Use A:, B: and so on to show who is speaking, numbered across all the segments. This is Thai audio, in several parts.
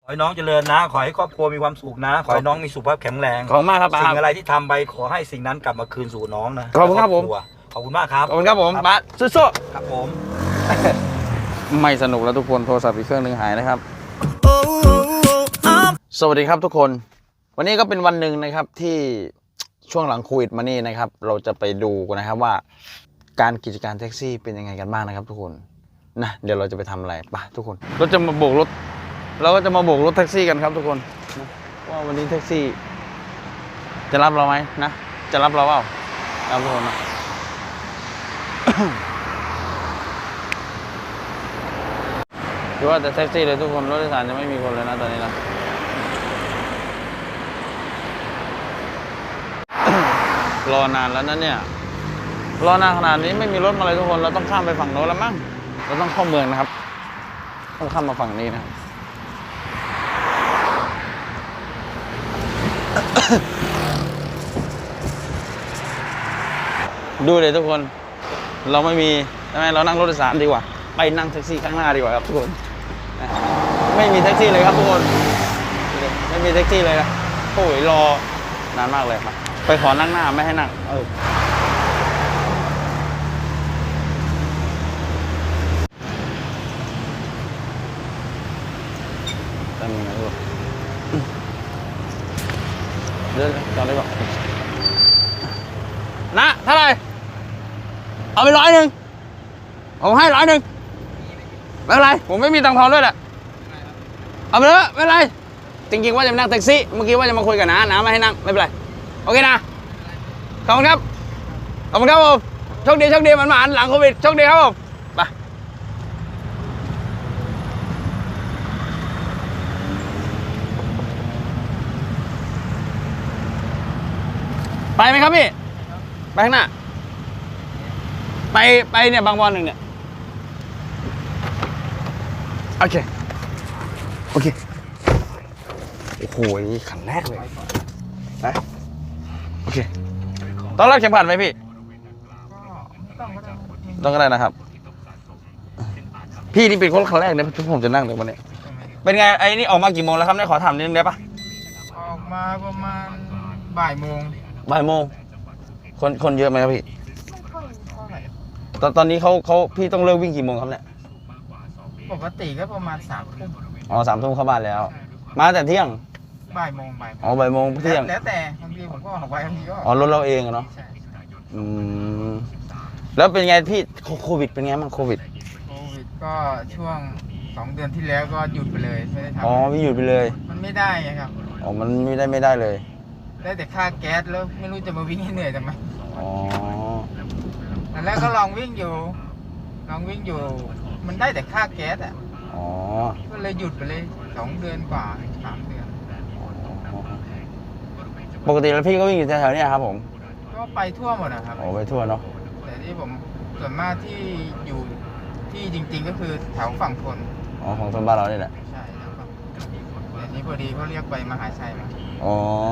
A: ขอให้น้องเจริญนะขอให้ครอบครัวมีความสุขนะขอให้น้องมีสุขภาพแข็งแรง
B: ขอบคุณมากครับป้า
A: สิ่งอะไรที่ทำไปขอให้สิ่งนั้นกลับมาคืนสู่น้องนะ
B: ขอบคุณครับผม
A: ขอบคุณมากครับ
B: ขอบคุณครับผมป้าสู้ๆ
A: ครับผม
B: ไม่สนุกแล้วทุกคนโทรศัพท์อีกเครื่องหนึ่งหายนะครับสวัสดีครับทุกคนวันนี้ก็เป็นวันหนึ่งนะครับที่ช่วงหลังโควิดมานี่นะครับเราจะไปดูกันนะครับว่าการกิจการแท็กซี่เป็นยังไงกันบ้างนะครับทุกคนนะเดี๋ยวเราจะไปทำอะไรไปทุกคนเราจะมาโบกรถเราก็จะมาโบกรถแท็กซี่กันครับทุกคนนะว่าวันนี้แท็กซี่จะรับเราไหมนะจะรับเราเปล่ารับทุกคนนะ คือว่าแต่แท็กซี่เลยทุกคนรถโดยสารจะไม่มีคนเลยนะตอนนี้นะ รอนานแล้วนะเนี่ยรอนานขนาดนี้ไม่มีรถมาเลยทุกคนเราต้องข้ามไปฝั่งโน้นแล้วมั้งเราต้องเข้าเมืองนะครับต้องข้ามมาฝั่งนี้นะ ดูเลยทุกคนเราไม่มีใช่ไหมเรานั่งรถโดยสารดีกว่าไปนั่งแท็กซี่ข้างหน้าดีกว่าครับทุกคนไม่มีแท็กซี่เลยครับทุกคนไม่มีแท็กซี่เลยนะโอ้ยรอนานมากเลยครับไปขอนั่งหน้าไม่ให้นั่งทำยังไงลูกเดินจอดได้ป่ะนะเท่าไหร่เอาไป100ผมให้100ไม่เป็นไรผมไม่มีตังค์ทอนด้วยแหละเอาไปเลยไม่เป็นไรจริงๆว่าจะนั่งแท็กซี่เมื่อกี้ว่าจะมาคุยกับน้าไม่ให้นั่งไม่เป็นไรโอเคนะขอบคุณครับขอบคุณครับผมโชคดีมันหลังโควิดโชคดีครับผมไปไหมครับพี่ไปข้างหน้าไปเนี่ยบางบอน1เนี่ยโอเคโอโหขันแรกเลยไปโอเคต้องรัดเข็มขัดไหมพี่ต้องก็ได้นะครับพี่นี่เป็นคนขันแรกเนี่ยที่ผมจะนั่งเลยวันนี้เป็นไงไอ้นี่ออกมากี่โมงแล้วครับเนี่ยขอถามนิดนึงได้ปะ
C: ออกมาประมาณบ่ายโมง
B: คนเยอะไหมครับพี่ตอนนี้เขาพี่ต้องเลิกวิ่งกี่โมงครับเนี่ย
C: ปกติก็ประมาณ3 ทุ่ม
B: อ๋อ3 ทุ่มเข้าบ้านแล้วมาแต่เที่ยง
C: บ่ายโมง
B: อ๋อบ่ายโมงเที่ยง
C: แล้วแต่บางทีผมก็ออกไปบางทีก็
B: อ๋อรถเราเองเนาะแล้วเป็นไงพี่โควิดเป็นไงบ้างโควิด
C: ก็ช่วง2 เดือนที่แล้วก็หยุดไปเลยไม่ได้ทำ
B: อ๋อไม่หยุดไปเลย
C: มันไม่ได้ไงครับ
B: อ๋อมันไม่ได้เลย
C: ได้แต่ค่าแก๊สแล้วไม่รู้จะมาวิ่งให้เหนื่อยทำไม
B: อ๋อ
C: แต่แล้วก็ลองวิ่งอยู่มันได้แต่ค่าแก๊สอ่ะ
B: อ๋อ
C: ก็เลยหยุดไปเลย2 เดือนกว่า3 เดือน
B: ปกติแล้วพี่ก็วิ่งอยู่แถวๆนี้ครับผม
C: ก็ไปทั่วหมดนะครับ
B: โอ้ไปทั่วเนาะ
C: แต่ที่ผมส่วนมากที่อยู่ที่จริงๆก็คือแถวฝั่งทน
B: อ๋อของทนบ้านเรานี่แหละ
C: ใช่ครับแต่นี้พอดีเขาเรียกไปมหาชัยมา
B: อ๋อ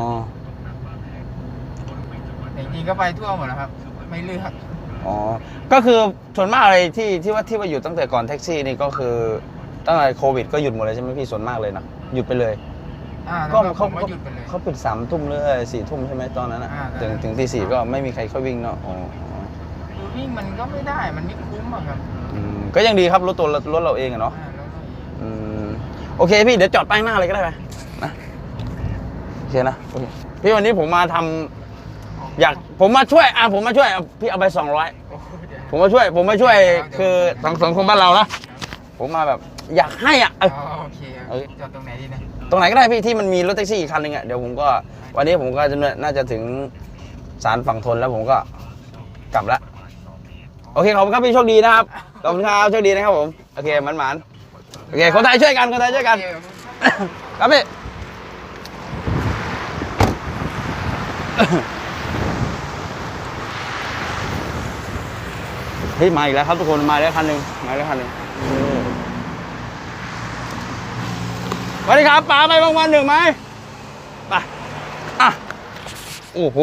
C: จริงๆก็ไปทั่วหมดนะครับไม่เลือก
B: อ๋อก็คือส่วนมากอะไรที่ว่าอยู่ตั้งแต่ก่อนแท็กซี่นี่ก็คือตั้งแต่โควิดก็หยุดหมดเลยใช่ไหมพี่ส่วนมากเลยนะหยุดไปเลย
C: ก็
B: เขาปิด3 ทุ่มหรือ4 ทุ่มใช่ไหมตอนนั้นถึงตี 4ก็ไม่มีใครเข้าวิ่งเนาะอ๋อ
C: วิ่งมันก็ไม่ได้มันไม่คุ้มอะครับ
B: ก็ยังดีครับรถเราเองอะเนาะโอเคพี่เดี๋ยวจอดป้ายหน้าเลยก็ได้ไหมนะโอเคนะโอเคพี่วันนี้ผมมาทำผมมาช่วยพี่เอาไป200ผมมาช่วยคือสังคมบ้านเรานะผมมาแบบอยากให้อ่ะ
C: โอเคจอดตรงไหนดีนะ
B: ตรงไหนก็ได้พี่ที่มันมีรถแท็กซี่อีกคันนึงอ่ะเดี๋ยวผมก็วันนี้ผมก็จะน่าจะถึงศาลฝั่งทนแล้วผมก็กลับละโอเคขอบคุณครับพี่โชคดีนะครับขอบคุณครับโชคดีนะครับผมโอเคหมันโอเคคนไทยช่วยกันครับพี่เฮ้ยมาอีกแล้วครับทุกคนมาแล้วคันหนึ่งสวัสดีครับป๋าไปบางวัน1ไหมไปอ่ะโอ้โห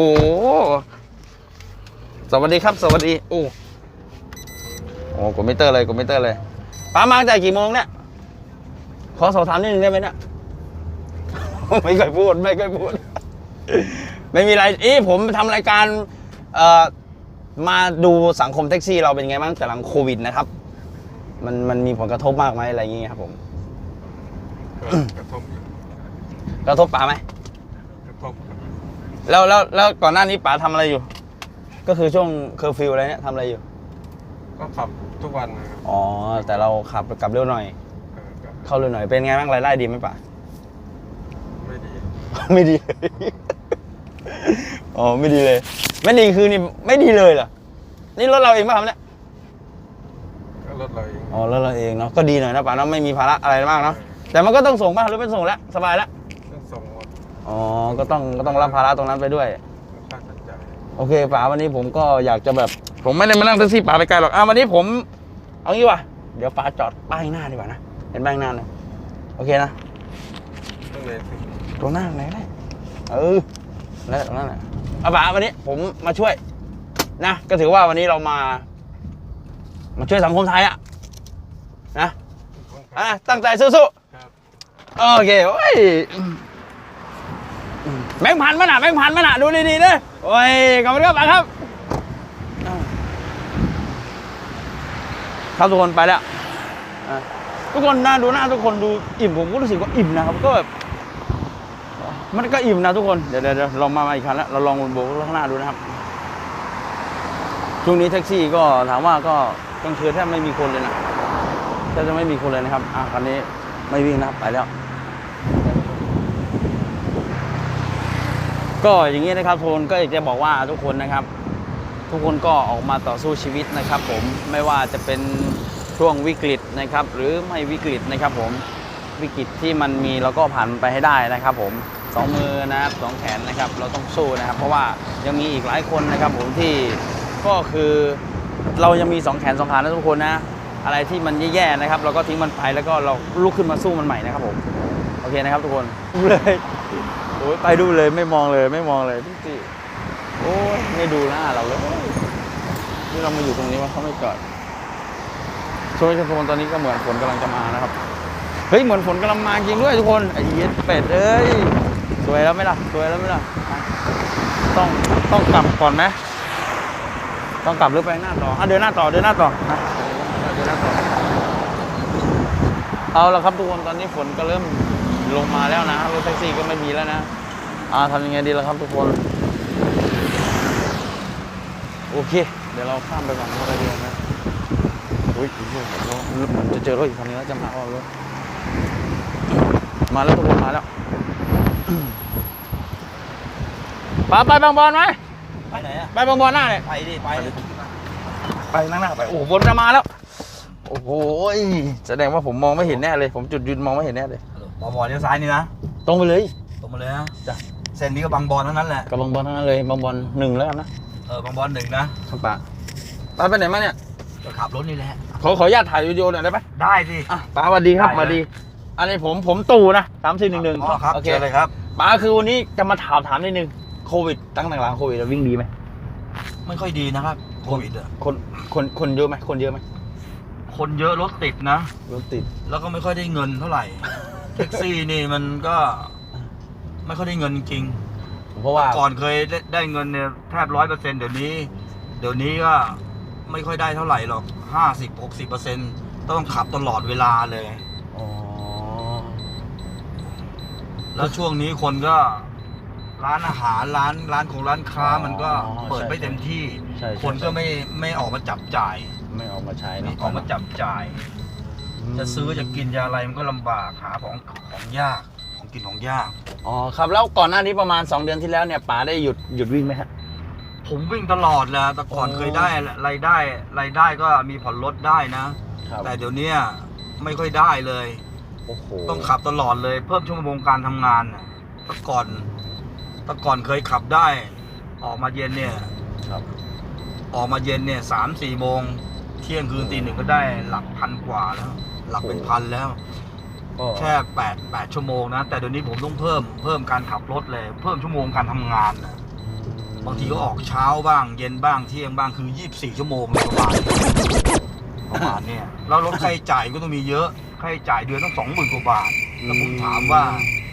B: สวัสดีครับสวัสดีโอ้กดมิเตอร์เลยป๋ามาจากกี่โมงเนี่ยขอสอบถามนิดนึงได้ไหมเนี่ยไม่เคยพูดไม่ไม่มีอะไรผมทำรายการมาดูสังคมแท็กซี่เราเป็นไงบ้างแต่หลังโควิดนะครับมันมีผลกระทบมากไหมอะไรอย่างเงี้ยครับผม
D: กระทบ
B: กระทบป๋าไหม
D: กระทบ
B: แล้วก่อนหน้านี้ป๋าทำอะไรอยู่ ก็คือช่วงเคอร์ฟิวอะไรเนี่ยทำอะไรอยู่
D: ก็ขับทุกวันนะครับ
B: อ๋อแต่เราขับกลับเร็วหน่อย
D: ก็
B: เข้าเร็วหน่อยเป็นไงบ้างรายได้ดีไหมป๋า
D: ไม่ดี
B: ไม่ดีเลยอ๋อไม่ดีเลยไม่ดีคือนี่ไม่ดีเลยเหรอนี่รถเราเองป่ะครับเนี่ย
D: ก็รถเราเอง
B: อ๋อรถเราเองเนาะก็ดีหน่อยนะป๋าเนาะไม่มีภาระอะไรมากเนาะแต่มันก็ต้องส่งป่ะหรือเป็นส่งแล้วสบายแล้ว
D: ต้องส่งหมด
B: อ๋อก็ต้องรับภาระตรงนั้นไปด้วย
D: ค่าใช้จ่าย
B: โอเคป๋าวันนี้ผมก็อยากจะแบบผมไม่ได้มานั่งแท็กซี่ป๋าไปไกลหรอกวันนี้ผมเอางี้ว่ะเดี๋ยวป๋าจอดป้ายหน้าดีกว่านะเห็นป้ายหน้าเลยโอเคนะ
D: ต้องเลยสิ
B: ตรงหน้าไหนได้แล้วตรงนั้นแหละเอาป๋าวันนี้ผมมาช่วยนะก็ถือว่าวันนี้เรามาช่วยสังคมไทยอะนะตั้งใจสู้
D: ครับ
B: ๆโอเคโอ้ยแบงค์พันมั้ยน่ะแบงค์พันมั้ยน่ะดูดีๆเด้อโอ้ยขอบคุณครับป๋าครับครับทุกคนไปแล้วทุกคนนะดูหน้าทุกคนดูอิ่มผมก็รู้สึกว่าอิ่มนะครับก็แบบมันก็อิ่มนะทุกคนเดี๋ยวลองมาอีกครั้งแล้วเราลองโบกข้างหน้าดูนะครับช่วงนี้แท็กซี่ก็ถามว่าก็กลางคืนแทบไม่มีคนเลยนะแทบจะไม่มีคนเลยนะครับคันนี้ไม่วิ่งนะครับไปแล้วก็อย่างนี้นะครับทุกคนก็อยากจะบอกว่าทุกคนนะครับ ทุกคนก็ออกมาต่อสู้ชีวิตนะครับผมไม่ว่าจะเป็นช่วงวิกฤตนะครับหรือไม่วิกฤตนะครับผมวิกฤตที่มันมีเราก็ผ่านไปให้ได้นะครับผมสองมือนะครับสองแขนนะครับเราต้องสู้นะครับเพราะว่ายังมีอีกหลายคนนะครับผมที่ก็คือเรายังมีสองแขนสองขานะทุกคนนะอะไรที่มันแย่ๆนะครับเราก็ทิ้งมันไปแล้วก็เราลุกขึ้นมาสู้มันใหม่นะครับผมโอเคนะครับทุกคนเลยโอ้ยไปดูเลยไม่มองเลยพี่โอ้ยไม่ดูหน้าเราเลยที่เรามาอยู่ตรงนี้ว่าเขาไม่จอดช่วยทุกคนตอนนี้ก็เหมือนฝนกำลังจะมานะครับเฮ้ยเหมือนฝนกำลังมาจริงด้วยทุกคนไอ้เหี้ยเป็ดเอ้ยสวยแล้วไหมล่ะต้องกลับก่อนไหมต้องกลับหรือไปหน้าต่อเดินหน้าต่อนะเดินหน้าต่อเอาละครับทุกคนตอนนี้ฝนก็เริ่มลงมาแล้วนะรถแท็กซี่ก็ไม่มีแล้วนะทำยังไงดีล่ะครับทุกคนโอเคเดี๋ยวเราข้ามไปฝั่งโน้นได้ดีนะอุ้ยมันจะเจอรถอีกคันนึงแล้วจะมาเอารถมาแล้วทุกคนมาแล้วป๋าไปบางบอนไหม
A: ไปไหนอะ
B: ไปบางบอนหน้าเลย
A: ไปดิไป
B: นั่งหน้าไปโอ้โหฝนจะมาแล้วโอ้โหแสดงว่าผมมองไม่เห็นแน่เลยผมจุดยืนมองไม่เห็นแน่เลย
A: บอลเลี้ยวซ้ายนี่นะ
B: ตรงไปเลย
A: ตรงมาเลยนะ
B: จ้ะ
A: เส้นนี้ก็บางบอลเท่านั้นแหละ
B: กับบางบอนทั้งนั้นเลยบางบอน1แล้วกันนะ
A: บางบอล1นะครับ
B: ป๋าไปไหนมาเนี่ย
A: ก็ขับรถนี่แหละ
B: ขออนุญาตถ่ายวิดีโอหน่อยได้ไหม
A: ได้สิ
B: ป๋าสวัสดีครับ
A: ได้
B: สวัสดีอันนี้ผมตู่นะ3411
A: อ๋อครับ
B: โอเค
A: เชิญเลยครับ
B: ป๋าคือวันนี้จะมาถามนิดนึงโควิดตั้งแต่หลังโควิดเราวิ่งดีไหม
A: ไม่ค่อยดีนะครับโควิดอะ
B: คนเยอะไหมคนเยอะไหม
A: คนเยอะรถติดนะ
B: รถติด
A: แล้วก็ไม่ค่อยได้เงินเท่าไหร่ แท็กซี่นี่มันก็ไม่ค่อยได้เงินจริง
B: เพราะว่า
A: ก่อนเคยได้เงินเนี่ยแทบ100%เดี๋ยวนี้ก็ไม่ค่อยได้เท่าไหร่หรอก50-60%ต้องขับตลอดเวลาเลย
B: อ๋อ
A: แล้วช่วงนี้คนก็ร้านอาหารร้านของร้านค้ามันก็เปิดไม่เต็มที่
B: ใช่
A: คนก็ไม่ออกมาจับจ่าย
B: ไม่ออกมาใช้
A: ไม่
B: นะ
A: ออกมาจับจ่าย จะซื้อจะกินจะอะไรมันก็ลำบากหาของยากของกินของยาก
B: อ๋อครับแล้วก่อนหน้านี้ประมาณ2 เดือนที่แล้วเนี่ยป๋าได้หยุดวิ่งไหมฮะ
A: ผมวิ่งตลอดแหละแต่ก่อน
B: โอ้
A: เคยได้รายได้ก็มีผ่อนรถได้นะ
B: ครับ
A: แต่เดี๋ยวนี้ไม่ค่อยได้เลย
B: โอ้โห
A: ต้องขับตลอดเลยเพิ่มชั่วโมงการทำงานน่ะแต่ก่อนเคยขับได้ ออกมาเย็นเนี่ย
B: ครับ
A: ออกมาเย็นเนี่ย3-4 โมงเที่ยงคืนตี 1ก็ได้หลักพันกว่าแล้ว หลักเป็นพันแล้ว
B: ก็
A: แค่8 ชั่วโมงนะแต่เดี๋ยวนี้ผมต้องเพิ่มการขับรถเลยเพิ่มชั่วโมงการทำงานนะบางทีก็ออกเช้าบ้างเย็นบ้างเที่ยงบ้างคือ24 ชั่วโมงเลยประมาณเนี่ยแล้วรถค่าใช้จ่ายก็ต้องมีเยอะค่าใช้จ่ายเดือนต้อง20,000 กว่าบาทแล้วผมถามว่าใค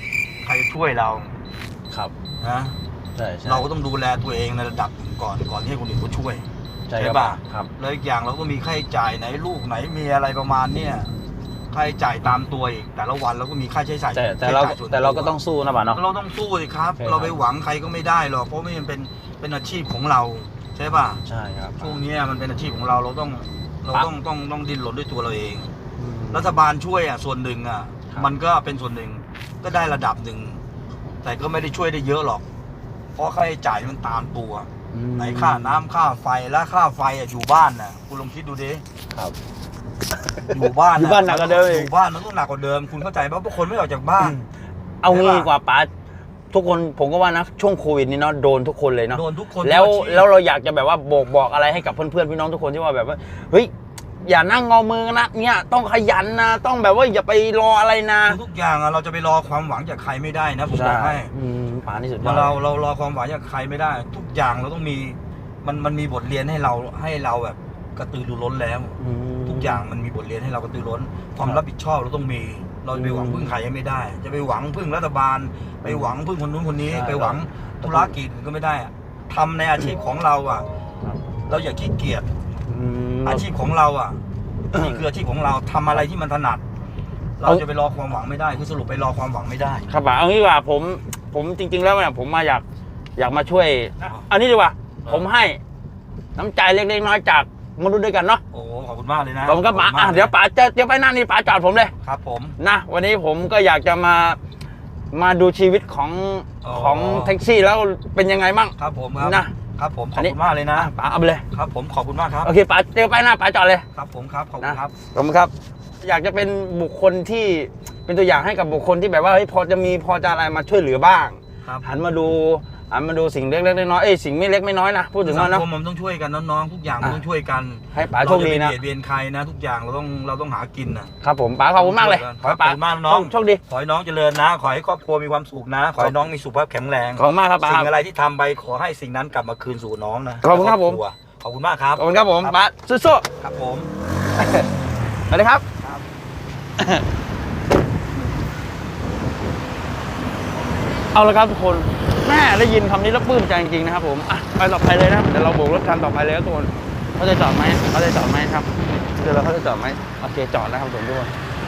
A: รจะช่วยเรา
B: ครับ
A: นะ
B: ใช่ใช่
A: เราก็ต้องดูแลตัวเองในระดับหนึ่งก่อนที่ให้คนอื่นเขาช่วย
B: ใช่
A: ใช่
B: ครับ
A: ป่ะ
B: ครับ
A: แล้วอีกอย่างเราก็มีค่าใช้จ่ายไหนลูกไหนมีอะไรประมาณเนี้ยค่าใช้จ่ายตามตัวอีกแต่ละวันเราก็มีค่าใช้จ่าย
B: แต่เรา
A: ใช้จ่ยส่วน
B: แต่เราก็
A: ว
B: ต้องสู้นะป่ะเนาะ
A: เราต้องสู้สิครับ
B: ใช่ครับ
A: เราไปหวังใครก็ไม่ได้หรอกเพราะไม่มันเป็นอาชีพของเราใช่ป่ะ
B: ใช่ครับ
A: ช่วงเนี้ยมันเป็นอาชีพของเราต้องดิ้นรนด้วยตัวเราเอง
B: อืม
A: รัฐบาลช่วยอ่ะส่วนหนึ่งอ่ะ
B: ครับ
A: มันก็เป็นส่วนหนึ่งก็ได้ระดับหนึ่งแต่ก็ไม่ได้ช่วยได้เยอะหรอก เพราะค่าใช้จ่ายมันตามตัว
B: อืม
A: ไหนค่าน้ำค่าไฟและค่าไฟอ่ะอยู่บ้านน่ะคุณลองคิดดูดิ
B: ครับ
A: อยู่บ้าน
B: อยู่บ้านหนักกว่าเดิมอีก
A: อยู่บ้านมันต้องหนักกว่าเดิมคุณเข้าใจป่ะเพราะคนไม่ออกจากบ้าน
B: เอางี้
A: ใช่ปะ
B: ดีกว่าป๋าทุกคนผมก็ว่านะช่วงโควิดนี้เนาะโดนทุกคนเลยเนาะ
A: โดนทุกคน
B: แล้ว
A: ทุกอาชีพ
B: แล้วเราอยากจะแบบว่าบอกอะไรให้กับเพื่อนๆพี่น้องทุกคนที่ว่าแบบว่าเฮ้ยอย่านั่งงอมือนะเนี่ยต้องขยันนะต้องแบบว่าอย่าไปรออะไรนะ
A: ทุกอย่างอะเราจะไปรอความหวังจากใครไม่ได้นะผมบ
B: ใช่
A: อกให้
B: ป๋านี่สุดยอ
A: มา
B: ด
A: เรารอความหวังจากใครไม่ได้ ทุกอย่างเราต้องมีมันมีบทเรียนให้เราแบบกระตือรือร้นแล้ว
B: อืม
A: ทุกอย่างมันมีบทเรียนให้เรากระตือร้น ความรับผิดชอบเราต้องมี เราจะไปหวังพึ่งใครไม่ได้ จะไปหวังพึ่งรัฐบาล ไปหวังพึ่งคนนู้นคนนี้
B: ใช่
A: ไปหวังธุรกิจก็ไม่ได้อะทำในอาชีพของเราอ่ะ
B: ครับ
A: เราอย่าขี้เกียจ
B: อืม
A: อาชีพของเราอ่ะนี่คืออาชีพของเราทำอะไรที่มันถนัด เราจะไปรอความหวังไม่ได้คือสรุปไปรอความหวังไม่ได้
B: ครับป๋าเอางี้ดีกว่าผมจริง ๆ แล้วเนี่ยผมมาอยากมาช่วยอันนี้ดีกว่าผมให้น้ำใจเล็กๆน้อยๆจากมนุษย์ด้วยกันเนาะ
A: โอ้ขอบคุณมากเลยนะ
B: ผมก็ป๋า
A: ขอบคุณ
B: อ่ะ
A: มาก
B: เดี๋ยวป๋าเดี๋ยวไปหน้านี่ป๋าจอดผมเลย
A: ครับผม
B: นะวันนี้ผมก็อยากจะมาดูชีวิตของ
A: อ๋อ
B: ของแท็กซี่แล้วเป็นยังไงมั่ง
A: ครับผมครับ
B: นะครับ
A: ผมข
B: อั
A: อน บ
B: นี้
A: คุณมากเลยนะ
B: อ่ะป๋าเอาไปเลย
A: ครับผมขอบคุณมากครับ
B: โอเคป๋าเจอไปหน้าป๋าจอดเลย
A: ครับผมครับขอบคุณครับ
B: ขอบคุณครับ อยากจะเป็นบุคคลที่เป็นตัวอย่างให้กับบุคคลที่แบบว่าเฮ้ยพอจะอะไรมาช่วยเหลือบ้าง
A: ครับ
B: หันมาดูสิ่งเล็กๆน้อยๆสิ่งไม่เล็กไม่น้อยนะพูดถึง
A: สั
B: ว่าง เนาะ
A: คมมันต้องช่วยกันน้องๆทุกอย่างมันต้องช่วยกัน
B: ให้ป๋าโชคดีนะ
A: เราจไปเบียดเบียนใครนะ ทุกอย่างเราต้องหากินนะครับ
B: ผมป๋าขอบคุณมากเลย
A: ขอบคุณมากน้อง
B: โชคดี
A: ขอให้น้องเจริญนะ ขอให้ครอบครัวมีความสุขนะ ขอให้น้องมีสุขภาพแข็งแรง
B: ขอบคุณมากครับป๋า
A: สิ่งอะไรที่ทำไปขอให้สิ่งนั้นกลับมาคืนสู่น้องนะ
B: ขอบคุณครับผม
A: ขอบคุณมากครับ
B: ขอบคุณครับผมป๋าสู้
A: ครับผม
B: ๆสวัสดีครับ เอาละครับทุกคนแม่ได้ยินคำนี้แล้วปลื้มใจจริงๆนะครับผมอ่ะไปต่อไปเลยนะเดี๋ยวเราโบกรถคันต่อไปเลยครับทุกคนเขาจะจอดไหมครับเดี๋ยวเขาจะจอดไหมโอเคจอดแล้วครับทุกคน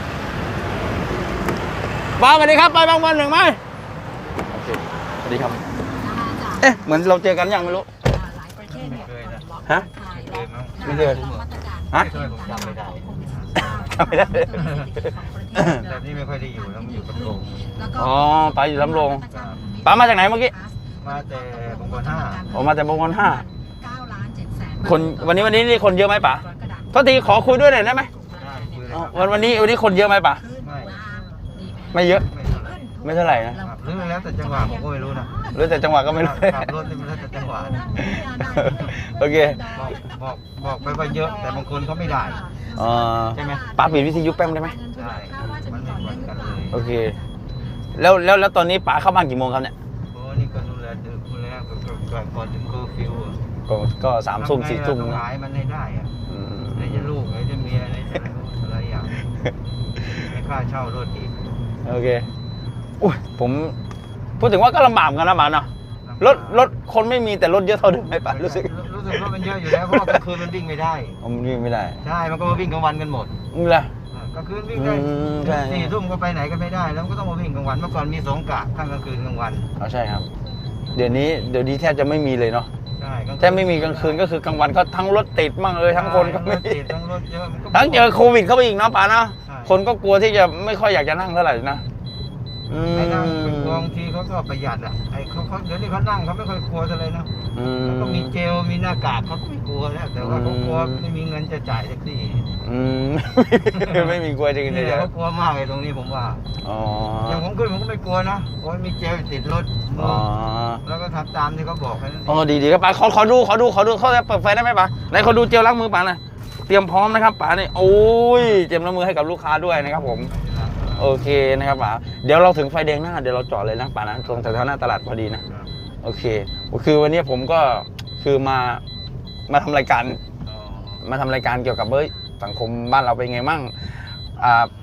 B: บ้าสวัสดีครับไปบางวันหนึ่งไหมโอเคสวัสดีครับเอ๊ะเหมือนเราเจอกันยังไม่รู้
E: หลายประเทศเนี่ย
B: ฮะ ไม่เคยฮะ
E: ไม่เคยผมจำไม่ได้
B: จำไม่ได้
E: แต่นี่ไม่ค่อยได้อยู่ต้องอยู่กับโรง
B: อ๋อป๋าอยู่สำโรงป๋ามาจากไหนเมื่อกี้
E: มาแต่บางคน5
B: ผมมาจากบางคน5
E: 9,700,000
B: คนวันนี้นี่คนเยอะไหมป๋าโทษทีขอคุยด้วยหน่อยได้ไหม
E: ได้คุยเลย
B: อ๋อ
E: ครับ
B: วันนี้คนเยอะไหมป๋า
E: ไม่
B: ไม่เยอะ
E: ไม่เท่าไหร่
B: ไม่เท่าไหร่นะครับ
E: เรื่องแล้วแต่จังหวะผมก็ไม่รู้นะ
B: หรือแต่จังหวะก็ไม่รู้
E: ขับรถนี่มันแล้วแต่จังหวะนะ
B: โอเค
E: บอกไปว่าเยอะ แต่บางคนเขาไม่ได้
B: ใช่ไหมป๋าปิดวิทยุแป๊บได้ไหม
E: ได้มันไม่เหมือนกันเลย
B: โอเคแล้วตอนนี้ป๋าเข้าบ้านกี่โมงครับเนี่ย
E: โอ้นี่ก็ดูแลดึกดูแลก่อนถึงเคอร์ฟิวอะ
B: ก็3 ทุ่ม 4 ทุ่ม
E: ต้อง
B: นะ
E: หายมันให้ได้อะ
B: อืม
E: ไหนจะลูกไหนจะเมียไหนจะอะไรอย่างให้ค่าเช่ารถอีก
B: โอเคอุ้ยผมพูดถึงว่าก็ลำบากเหมือนกันนะป๋าเนาะรถคนไม่มีแต่รถเยอะเท่าเดิมไหมป๋ารู้สึก
E: รถมันเยอะอยู่แล้วเพราะว่ากลางคืนมันวิ่งไม่ได้
B: ผมวิ่งไม่ได้
E: ใช่มันก็มาวิ่งกลางวันกันหมด
B: นี่แหละ
E: กลางคืนวิ่งได้
B: ใช่
E: 4 ทุ่มก็ไปไหนก็ไม่ได้ แล้วมันก็ต้องมาวิ่งกลางวันเมื่อก่อนมี2 กะข้างกลางคืนกลางวัน
B: อ๋อใช่ครับ เดี๋ยวนี้แทบจะไม่มีเลยเนาะ
E: ใช่กลางคืน
B: แทบไม่มีกลางคืนก็คือกลางวันก็ทั้งรถติดมั่งทั้งคนก็ไม่
E: ทั้งรถติดทั้งรถเยอะมันก็
B: ทั้งเจอโควิดเข้าไปอีกเนาะป๋าเนาะ
E: ใช่
B: คนก็กลัวที่จะไม่ค่อยอยากจะนั่งเท่าไหร่นะอืม
E: ไอ้นั่งเป็นกองทีเขาก็ประหยัดอ่ะไอ้เขาเดี๋ยวนี้เขานั่งเขาไม่ค่อยกลัวอะไรนะ
B: อืม
E: ก็มีเจลมีหน้ากากเขาก็ไม่กลัวแล้วแต่ว่าเขากลัวไม่มีเงินจะจ่ายแท็กซี่
B: อืม ไม่มีกลัวจริง
E: นี่
B: ๆ
E: แหละเขากลัวมากเลยตรงนี้ผมว่า
B: อ๋อ
E: อย่างผมขึ้นผมก็ไม่กลัวนะเพราะมีเจลติดรถ
B: อ๋อ
E: แล้วก็ทำตามที่เขาบอกแค่นั้นเอง
B: อ๋อดีครับป๋าขอดูเขาจะเปิดไฟได้ไหมป๋าไหนขอดูเจลล้างมือป๋าหน่อยเตรียมพร้อมนะครับป๋าเนี่ยโอ้ยเตรียมล้างมือให้กับลูกค้าด้วยนะครับผมโอเคนะครับป๋าเดี๋ยวเราถึงไฟแดงหน้าเดี๋ยวเราจอดเลยนะป๋านะตรงแถวๆหน้าตลาดพอดีนะโอเคคือวันนี้ผมก็คือมาทำรายการ
E: อ๋อ
B: มาทำรายการเกี่ยวกับสังคมบ้านเราเป็นไงมั่ง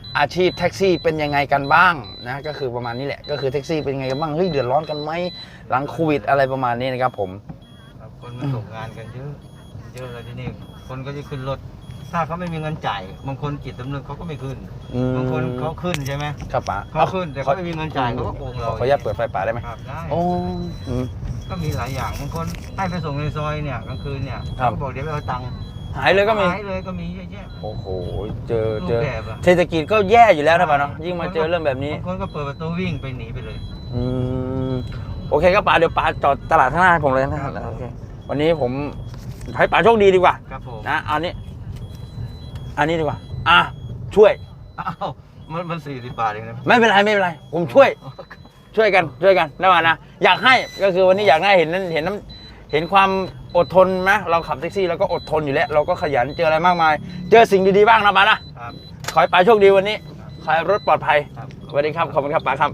B: อาชีพแท็กซี่เป็นยังไงกันบ้างนะก็คือประมาณนี้แหละก็คือแท็กซี่เป็นยังไงกันบ้างเฮ้ยเดือดร้อนกันไหมหลังโควิดอะไรประมาณนี้นะครับผม
E: ครับคนมันตกงานกันเยอะเยอะแล้วทีนี้คนก็จะขึ้นรถถ้าเขาไม่มีเงินจ่ายบางคนจิตสำนึกเขาก็ไม่ขึ้นบางคนเขาขึ้นใช่ไหม
B: ครับป๋า
E: เขาขึ้นแต่เขาไม่มีเงินจ่ายเขาก็โกงเรา
B: ขออนุญาตเปิดไฟป๋าได้ไหม
E: ครับได้
B: โอ้อืม
E: ก็มีหลายอย่างบางคนให้ไปส่งในซอยเนี่ยกลางคืนเนี่ย
B: ครับ
E: เขาบอกเดี๋ยวไปเอาตังค์
B: หายเลยก็มี
E: หายเลยก็มีเยอะแยะ
B: โอ้โหเจอ
E: รูปแบบอะ
B: เศรษฐกิจก็แย่อยู่แล้วนะป๋าเนาะยิ่งมาเจอเรื่องแบบนี้
E: บางคนก็เปิดประตูวิ่งไปหนีไปเลย
B: อืมโอเคครับป๋าเดี๋ยวป๋าจอดตลาดข้างหน้าให้ผมเลยนะครับโอเควันนี้ผมให้ป๋าโชคดีดีกว่า
E: ครับผม
B: นะอันนี้ดีกว่าช่วย
E: อ้าวมัน40 บาทเองนะ
B: ไม่เป็นไรผมช่วยกันนะว่านะอยากให้ก็คือวันนี้อยากให้เห็นความอดทนนะเราขับแท็กซี่เราก็อดทนอยู่แล้วเราก็ขยันเจออะไรมากมาย เจอสิ่งดีๆบ้างนะป๋านะครับ ขอให้ป๋าโชคดีวันนี้ขอให้รถปลอดภัย
E: ครับ
B: สวัสดีครับขอบคุณครับป๋าครับ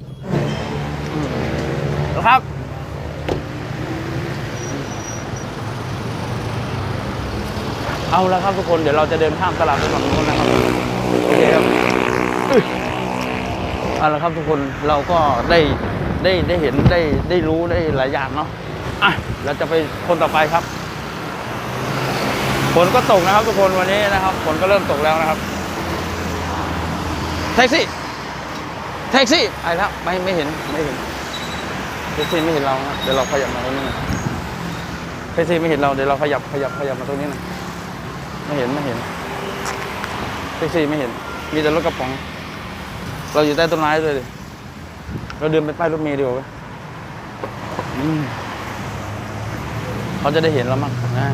B: ครับเอาละครับทุกคนเดี๋ยวเราจะเดินข้ามตลาดไปฝั่งนู้นนะครับโอเคครับเอาละครับทุกคนเราก็ได้เห็นได้รู้ได้หลายอย่างเนาะเราจะไปคนต่อไปครับฝนก็ตกนะครับทุกคนวันนี้นะครับฝนก็เริ่มตกแล้วนะครับแท็กซี่ไปครับไม่เห็นแท็กซี่ไม่เห็นเรานะเดี๋ยวเราขยับมาตรงนี้หน่อยแท็กซี่ไม่เห็นเราเดี๋ยวเราขยับมาตรงนี้หน่อยไม่เห็นแท็กซี่ไม่เห็นมีแต่รถกระป๋องเราอยู่ใต้ต้นไม้เลยดิเราเดินไปป้ายรถเมล์ดีกว่าเขาจะได้เห็นเรามั้งนะ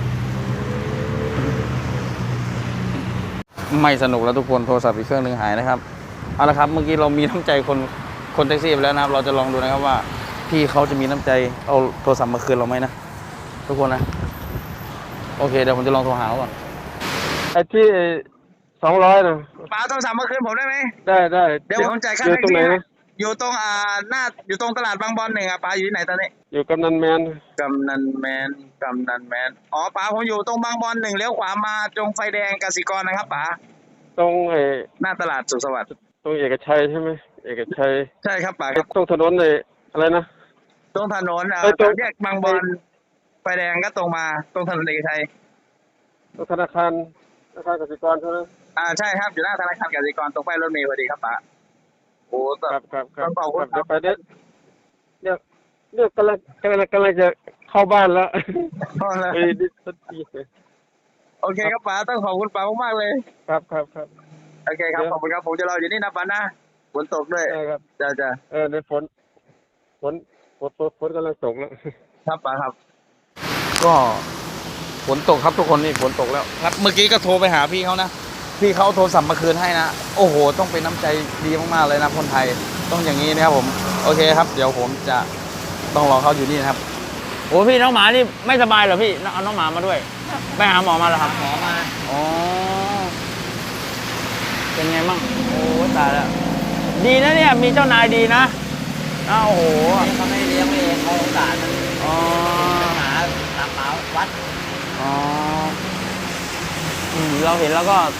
B: ไม่สนุกแล้วทุกคนโทรศัพท์อีกเครื่องหนึ่งหายนะครับเอาละครับเมื่อกี้เรามีน้ำใจคนแท็กซี่ไปแล้วนะครับเราจะลองดูนะครับว่าพี่เขาจะมีน้ำใจเอาโทรศัพท์มาคืนเราไหมนะทุกคนนะโอเคเดี๋ยวผมจะลองโทรหาเขาก่อน
D: ไอ้ที่200นะ
B: ป๋าโทรศัพท์มาคืนผมได้ไหม
D: ได้
B: เดี๋ยวผมจ่ายค่า
D: อยู่
B: แท็ก
D: ตรง
B: ซี่
D: ไหน
B: ให้
D: นะ
B: อยู่ตรงอยู่ตรงตลาดบางบอน1ป๋าอยู่ที่ไหนตอนนี้
D: อยู่กำนันแมน
B: กำนันแมนอ๋อป๋าผมอยู่ตรงบางบอน1เลี้ยวขวามาตรงไฟแดงกสิกรนะครับป๋า
D: ตรง
B: หน้าตลาดสุขสวัสดิ์
D: ตรงเอกชัยใช่ไหมเอกชัย
B: ใช่ครับป๋าครับ
D: ตรงถนนอะไรนะ
B: ตรงถนน
D: ตรง
B: แยกบางบอนไฟแดงก็ตรงมาตรงถนนเอกชัย
D: ตรงธนาคารกสิกรใช่ไหม
B: ใช่ครับอยู่หน้าธนาคารกสิกรตรงป้ายรถเมล์พอดีครับป๋าโอ้
D: ครับ
B: ต้องขอบคุณ
D: เดี๋ยวไปเนี่ยกำลังจะเข้าบ้านแล้ว
B: ครับ
D: ดิสักที
B: โอเคครับป๋าต้องขอบคุณป๋ามากๆเลย
D: ครับ
B: โอเคครับขอบคุณครับผมจะรออยู่นี่นะป๋านะฝนตกด้วย
D: ได้ครับ
B: จ้า
D: ในฝนกำลังตกแล้ว
B: ครับป๋าครับก็ฝนตกครับทุกคนนี่ฝนตกแล้วครับเมื่อกี้ก็โทรไปหาพี่เขานะพี่เขาโทรศัพท์มาคืนให้นะโอ้โหต้องเป็นน้ำใจดีมากๆเลยนะคนไทยต้องอย่างนี้นะครับผมโอเคครับเดี๋ยวผมจะต้องรอเขาอยู่นี่นะครับโอ้พี่น้องหมานี่ไม่สบายเหรอพี่เอาน้องหมามาด้วยไปหาหมอมาเหรอครับหมอมาอ๋อเป็นไงมั่งโอ้ตายแล้วดีนะเนี่ยมีเจ้านายดีนะอ้าวโอ้โหเขาไม่เลี้ยงเองเขาสงสารมันอ๋อหมาวัดอ๋อเราเห็นแล้วก็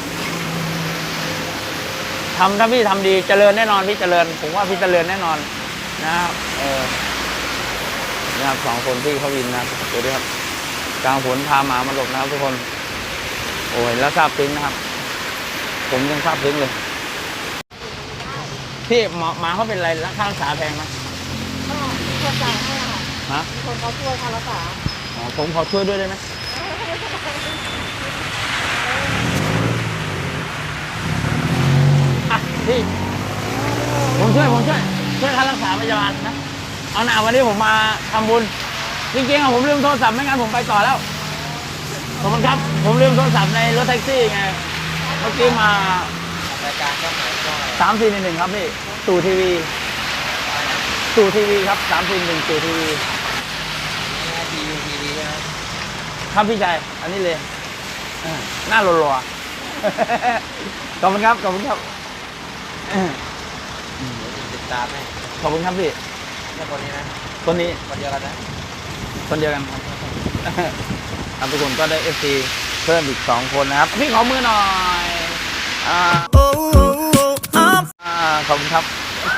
B: ถ้าพี่ทำดีเจริญแน่นอนพี่เจริญผมว่าพี่เจริญแน่นอนนะครับนะครับ2 คนพี่เขาวินนะดูดิครับกลางฝนพาหมามาหลบนะครับทุกคนโอ้ยแล้วซาบซึ้งนะครับผมยังซาบซึ้งเลยพี่หมาเขาเป็นอะไรค่ารักษาแพงไหม
F: ก็มีคนจ่ายให้ค่ะ
B: ฮะ
F: มีคนเขาช่วยค่ารักษา
B: อ๋อผมขอช่วยด้วยได้ไหมพี่ผมช่วยค่ารักษาพยาบาลนะเอาหน่าวันนี้ผมมาทำบุญจริงๆผมลืมโทรศัพท์ไม่งั้นผมไปต่อแล้วขอบคุณครับผมลืมโทรศัพท์ในรถแท็กซี่ไงเมื่อกี้มาร
E: ายการก็เหมือนก็
B: 3-4-1ครับพี่ตู่ทีวีครับ3-4-1ตู่ทีวี
E: ทีวีใช่ไหม
B: ครับพี่ชายอันนี้เลยหน้ารัวๆขอบคุณครับ
E: ติดตามไหม
B: ขอบคุณครับพี่
E: แค่คนนี้นะ
B: คนนี้
E: คนเดียวกันนะ
B: คนเดียวกันครับครับทุกคนก็ได้ FC เพิ่มอีก2 คนนะครับพี่ขอมือหน่อยขอบคุณครับ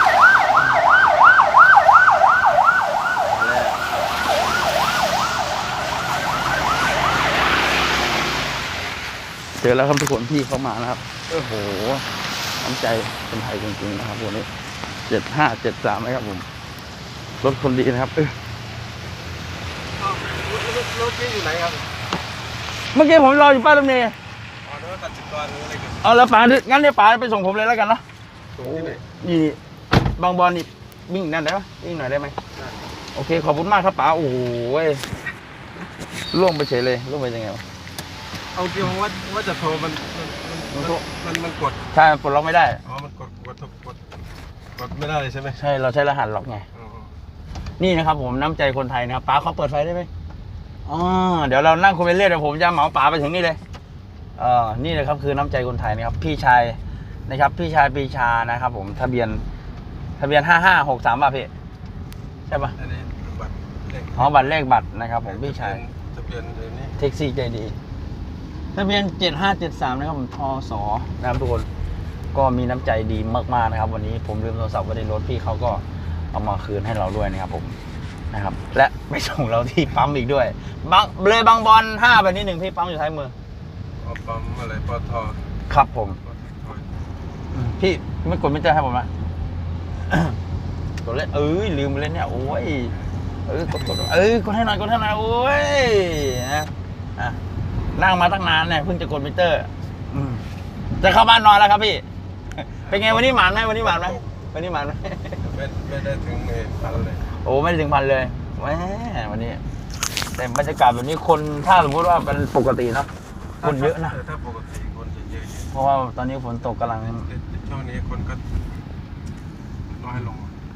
B: เจอแล้วครับทุกคนพี่เข้ามานะครับโอ้โหน้ำใจคนไทยจริงๆนะครับวันนี้7573นะครับผมรถคนดีนะครับ
D: รถที่อยู่ไหนครับ
B: เมื่อกี้ผมรออยู่ป้ายรถเมล์
D: อ๋อรถตัดสินกรหรืออะไรกัน
B: เอาแล้วป๋างั้นเดี๋ยวป๋าไปส่งผมเลยแล้วกันเนาะ
D: ตรงที่ไหน
B: นี่บางบอลนี่วิ่งนั่นได้ปะวิ่งหน่อยได้ไหมโอเคขอบคุณมากครับป๋าโอ้โหล่วงไปเฉยเลยล่วงไปยังไงวะ
D: เอาเกี่ยวว่าจะโทรมันกด
B: ใช่ปลดล็อกไม่ได้
D: อ๋อมันกดไม่ได้เลยใช่ไหม
B: ใช่เราใช้รหัสล็อกไง
D: อ๋อ
B: นี่นะครับผมน้ำใจคนไทยนะครับป๋าเขาเปิดไฟได้ไหมอ๋อเดี๋ยวเรานั่งคุยไปเรื่อยเดี๋ยวผมจะเหมาป๋าไปถึงนี่เลยนี่เลยครับคือน้ำใจคนไทยนะครับพี่ชายนะครับพี่ชายปีชานะครับผมทะเบียน5563ป่ะพี่ใช่ป่ะ
D: อันนี้บัตรเลข
B: อ๋อบัตรเลขบัตรนะครับผมพี่ชาย
D: ทะเบียนเดี๋ยวนี้
B: แท็กซี่ใจดีทะเบียน7573นะครับผมทศนะครับทุกคนก็มีน้ำใจดีมากๆนะครับวันนี้ผมลืมโทรศัพท์ไว้ในรถพี่เขาก็เอามาคืนให้เราด้วยนะครับผมนะครับและไปส่งเราที่ปั๊มอีกด้วยบางบอล5ไปนิดหนึ่งพี่ปั๊มอยู่ท้ายมือ
D: อ๋อปั๊มอะไรปตท
B: ครับผม
D: ปตท
B: พี่ไม่กดไม่เจอให้ผมนะ กดเล่นลืมไปเล่นเนี่ยโอ้ยกดกดให้หน่อยโอ้ยนะนั่งมาตั้งนานเนี่ยเพิ่งจะกดมิเตอร์จะเข้าบ้านนอนแล้วครับพี่ เป็นไงวันนี้หมานไหมวันนี้หมานไหม
D: ไม่ได้ถึงพันเลย
B: โอ้ไม่ได้ถึงพันเลยแหมวันนี้แต่บรรยากาศแบบนี้คนถ้าสมมติว่าเป็นปกติเนาะคนเยอะนะ
D: ถ้าปกติคนจะเยอะอยู่
B: เพราะว่าตอนนี้ฝนตกกำลัง
D: แต่ช่วงนี้คนก็น้อยลง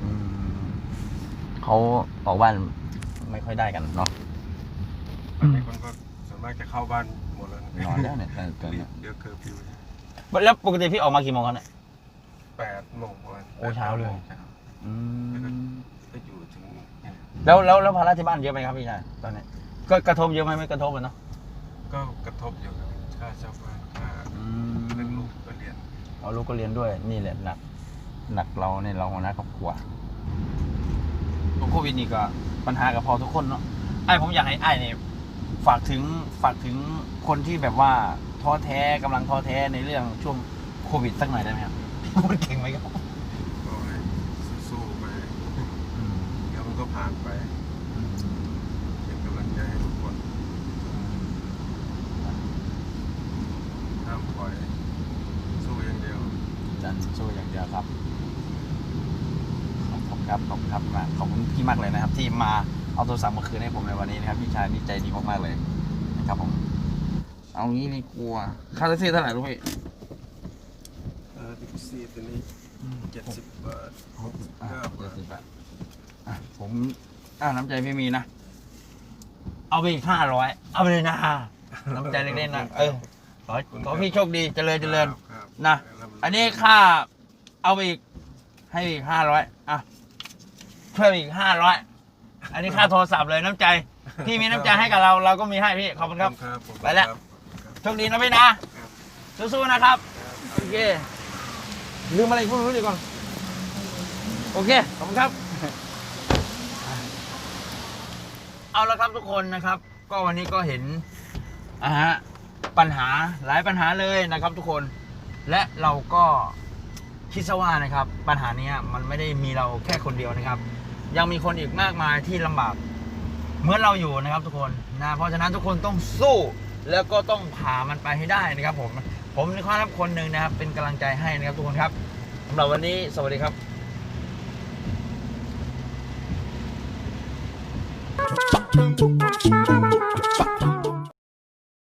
B: เขาออกบ้านไม่ค่อยได้กันเนาะ
D: ในคนก็ส่วนมากจะเข้าบ้านหมดแล้ว
B: นอนแล้วเนี่ยตอนนี้
D: เดี๋ยวเคอร์ฟิว
B: แล้วปกติพี่ออกมากี่โมงครับเนี่ย
D: 8 โมงประมาณ
B: โอ้เช้าเลย
D: ก็อยู่ถึง
B: แล้วภาระที่บ้านเยอะไหมครับพี่ชายตอนนี้ก็กระทบเยอะไหมไม่กระทบเนาะ
D: ก็กระทบอยู่ครับค่าเช่าบ้านค่าเรื่องลูกก็เรียน
B: เอาลูกก็เรียนด้วยนี่แหละหนักเราเนี่ยเราหัวหน้าครอบครัวโควิดนี่ก็ปัญหากับพอทุกคนเนาะผมอยากให้เนี่ยฝากถึงคนที่แบบว่าท้อแท้กำลังท้อแท้ในเรื่องช่วงโควิดสักหน่อยได้ไหมครับพูดเก่งไหมครับ
D: ก็ให้สู้ๆไปเดี๋ยวมันก็ผ่านไปเป็นกำลังใจให้ทุกคนห้ามปล่อยสู้อย่างเดียว
B: จันสู้อย่างเดียวครับขอบคุณครับมากขอบคุณพี่มากเลยนะครับ ที่มาเอาโทรศัพท์มาคืนให้ผมในวันนี้นะครับพี่ชายนี่ใจดีมากๆเลยนะครับผมเอางี้นี่กลัวค่าแท็กซี่เท่าไหร่รู้ไหม
D: ดิซี่ตัวนี้70 บาท
B: 70 บาทผมน้ำใจพี่มีนะเอาไปอีก500เอาไปเลยนะน้ำใจเล็กๆนะขอพี่โชคดีเจริญนะอันนี้ค่าเอาไปอีกให้อีก500เพิ่มอีก500อันนี้ค่าโทรศัพท์เลยน้ำใจพี่มีน้ำใจให้กับเราก็มีให้พี่ขอบคุณครับไปแล้วโชคดีนะพี่นะสู้ๆนะครับโอเคลืมอะไรพูดรู้ดีก่อนโอเคขอบคุณครับเอาละครับทุกคนนะครับก็วันนี้ก็เห็นปัญหาหลายปัญหาเลยนะครับทุกคนและเราก็คิดซะว่านะครับปัญหานี้มันไม่ได้มีเราแค่คนเดียวนะครับยังมีคนอีกมากมายที่ลำบากเหมือนเราอยู่นะครับทุกคนนะเพราะฉะนั้นทุกคนต้องสู้แล้วก็ต้องผ่ามันไปให้ได้นะครับผมนะครับคนหนึ่งนะครับเป็นกำลังใจให้นะครับทุกคนครับสำหรับวันนี้สวัสดีครับ